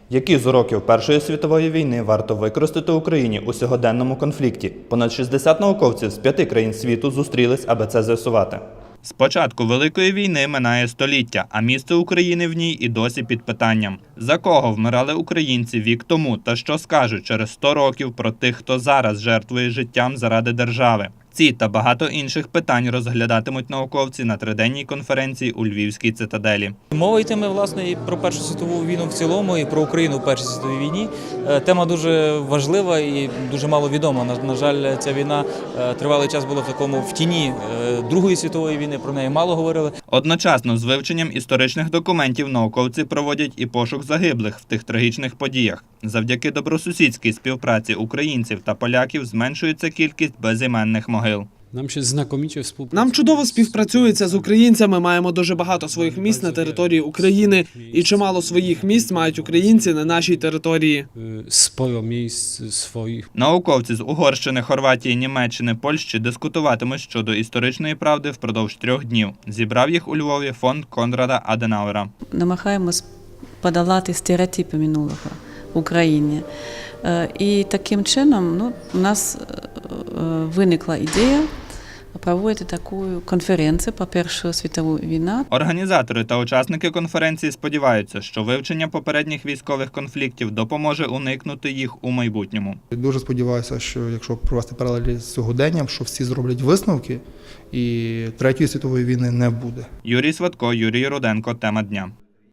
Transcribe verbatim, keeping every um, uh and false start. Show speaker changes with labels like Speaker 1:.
Speaker 1: Які з уроків Першої світової війни варто використати Україні у сьогоденному конфлікті? Понад шістдесят науковців з п'яти країн світу зустрілись, аби це з'ясувати. З початку Великої війни минає століття, а місце України в ній і досі під питанням. За кого вмирали українці вік тому та що скажуть через сто років про тих, хто зараз жертвує життям заради держави? Ці та багато інших питань розглядатимуть науковці на триденній конференції у Львівській цитаделі.
Speaker 2: Мова йтиме, власне, і про Першу світову війну в цілому, і про Україну в Першій світовій війні. Тема дуже важлива і дуже мало відома. На, на жаль, ця війна тривалий час була в такому в тіні Другої світової війни, про неї мало говорили.
Speaker 1: Одночасно з вивченням історичних документів науковці проводять і пошук загиблих в тих трагічних подіях. Завдяки добросусідській співпраці українців та поляків зменшується кількість безіменних могил.
Speaker 3: Нам ще знакоміче співпрацює.
Speaker 4: Нам чудово співпрацюється з українцями, маємо дуже багато своїх місць на території України, і чимало своїх місць мають українці на нашій території.
Speaker 3: Споро місць своїх.
Speaker 1: Науковці з Угорщини, Хорватії, Німеччини, Польщі дискутуватимуть щодо історичної правди впродовж трьох днів. Зібрав їх у Львові фонд Конрада Аденауера.
Speaker 5: Намагаємось подолати стереотипи минулого в Україні. І таким чином ну, у нас виникла ідея проводити таку конференцію по Першу світову війну.
Speaker 1: Організатори та учасники конференції сподіваються, що вивчення попередніх військових конфліктів допоможе уникнути їх у майбутньому.
Speaker 6: Дуже сподіваюся, що якщо провести паралелі з сьогоденням, що всі зроблять висновки і Третьої світової війни не буде.
Speaker 1: Юрій Сватко, Юрій Руденко. Тема дня.